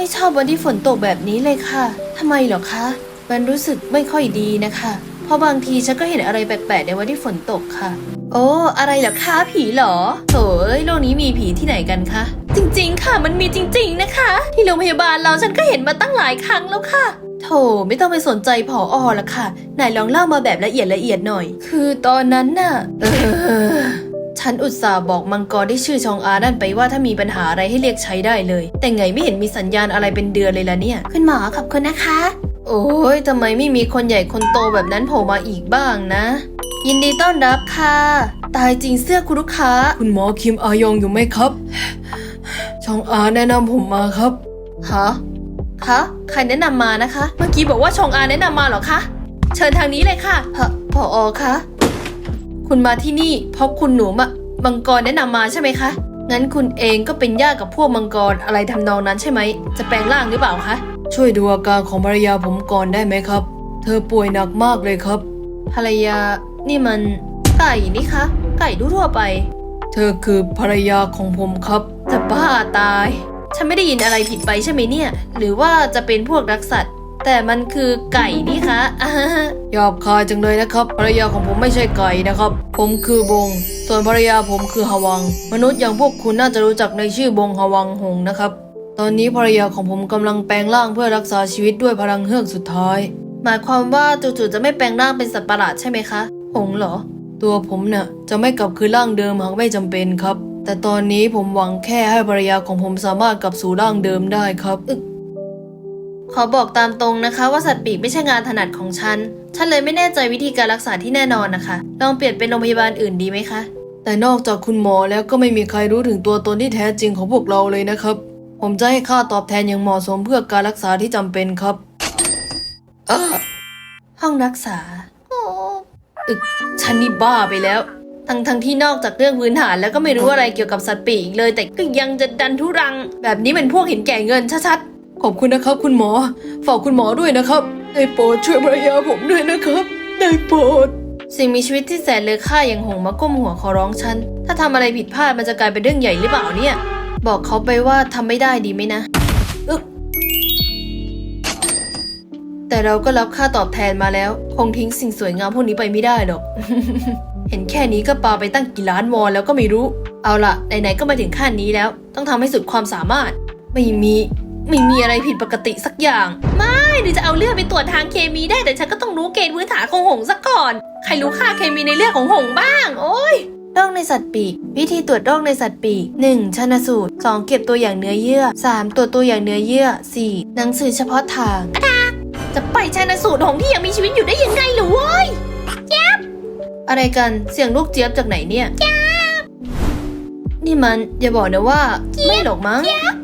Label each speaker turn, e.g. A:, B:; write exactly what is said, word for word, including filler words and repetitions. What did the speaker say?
A: ไม่ชอบวันที่ฝนตกแบบนี้เลยค่ะทำไมเหรอคะมันรู้สึกไม่ค่อยดีนะคะเพราะบางทีฉันก็เห็นอะไรแปลกๆในวันที่ฝนตกค่ะโอ้อะไรเหรอคะผีเหรอโถยโลกนี้มีผีที่ไหนกันคะจริงๆค่ะมันมีจริงๆนะคะที่โรงพยาบาลเราฉันก็เห็นมาตั้งหลายครั้งแล้วค่ะโถไม่ต้องไปสนใจผออละค่ะไหนลองเล่ามาแบบละเอียดละเอียดหน่อยคือตอนนั้นน่ะเออฉันอุตส่าห์บอกมังกรที่ชื่อชองอานั่นไปว่าถ้ามีปัญหาอะไรให้เรียกใช้ได้เลยแต่ไงไม่เห็นมีสัญญาณอะไรเป็นเดือนเลยล่ะเนี่ยคุณหมอขอบคุณนะคะโอ้ยทำไมไม่มีคนใหญ่คนโตแบบนั้นโผล่มาอีกบ้างนะยินดีต้อนรับค่ะตายจริงเสื้อคุณลูกค้าคุณหมอคิมอายองอยู่ไหมครับชองอาแนะนำผมมาครับฮะคะใครแนะนำมานะคะเมื่อกี้บอกว่าชองอาแนะนำมาเหรอคะเชิญทางนี้เลยค่ะพผอคะคุณมาที่นี่เพราะคุณหนูมะมังกรแนะนำมาใช่ไหมคะงั้นคุณเองก็เป็นญาติกับพวกมังกรอะไรทำนองนั้นใช่ไหมจะแปลงร่างหรือเปล่าคะช่วยดูอาการของภรรยาผมก่อนได้ไหมครับเธอป่วยหนักมากเลยครับภรรยานี่มันไก่นี่คะไก่ทั่วไปเธอคือภรรยาของผมครับจะบ้าตายฉันไม่ได้ยินอะไรผิดไปใช่ไหมเนี่ยหรือว่าจะเป็นพวกรักสัตว์แต่มันคือไก่นี่คะหยาบคายจังเลยนะครับภรรยาของผมไม่ใช่ไก่นะครับผมคือบงส่วนภรรยาผมคือฮวังมนุษย์อย่างพวกคุณน่าจะรู้จักในชื่อบงฮวังหงนะครับตอนนี้ภรรยาของผมกำลังแปลงร่างเพื่อรักษาชีวิตด้วยพลังเฮือกสุดท้ายหมายความว่าจู่ๆจะไม่แปลงร่างเป็นสัตว์ประหลาดใช่ไหมคะหงเหรอตัวผมน่ะจะไม่กลับคืนร่างเดิมหากไม่จำเป็นครับแต่ตอนนี้ผมหวังแค่ให้ภรรยาของผมสามารถกลับสู่ร่างเดิมได้ครับขอบอกตามตรงนะคะว่าสัตว์ปีกไม่ใช่งานถนัดของฉันฉันเลยไม่แน่ใจวิธีการรักษาที่แน่นอนนะคะลองเปลี่ยนเป็นโรงพยาบาลอื่นดีไหมคะแต่นอกจากคุณหมอแล้วก็ไม่มีใครรู้ถึงตัวตนที่แท้จริงของพวกเราเลยนะครับผมจะให้ค่าตอบแทนอย่างเหมาะสมเพื่อการรักษาที่จำเป็นครับห้องรักษาอึกฉันนี่บ้าไปแล้วทั้งทั้งที่นอกจากเรื่องพื้นฐานแล้วก็ไม่รู้อะไรเกี่ยวกับสัตว์ปีกเลยแต่ก็ยังจะดันทุรังแบบนี้เป็นพวกเห็นแก่เงินชัดๆขอบคุณนะครับคุณหมอฝากคุณหมอด้วยนะครับได้โปรดช่วยภรรยาผมด้วยนะครับได้โปรดสิ่งมีชีวิตที่แสนเลอค่าอย่างหงมาก้มหัวขอร้องฉันถ้าทำอะไรผิดพลาดมันจะกลายเป็นเรื่องใหญ่หรือเปล่าเนี่ยบอกเขาไปว่าทำไม่ได้ดีไหมนะอึกแต่เราก็รับค่าตอบแทนมาแล้วคงทิ้งสิ่งสวยงามพวกนี้ไปไม่ได้หรอก เห็นแค่นี้ก็ปาไปตั้งกี่ล้านวอนแล้วก็ไม่รู้เอาล่ะไหนๆก็มาถึงขั้นนี้แล้วต้องทำให้สุดความสามารถไม่มีไม่มีอะไรผิดปกติสักอย่างไม่หรือจะเอาเลือดไปตรวจทางเคมีได้แต่ฉันก็ต้องรู้เกณฑ์พื้นฐานของหงซะก่อนใครรู้ค่าเคมีในเลือดของหงบ้างโอ้ยโรคในสัตว์ปีกวิธีตรวจโรคในสัตว์ปีก หนึ่ง ชันสูตร สอง เก็บตัวอย่างเนื้อเยื่อ สาม ตรวจตัวอย่างเนื้อเยื่อ สี่ หนังสือเฉพาะทางอะดาจะไปชันสูตรของที่ยังมีชีวิตอยู่ได้ยังไงหรือเว้ยเจี๊ยบอะไรกันเสียงลูกเจี๊ยบจากไหนเนี่ยเจี๊ยบนี่มันอย่าบอกนะว่าไม่หรอกมั้ง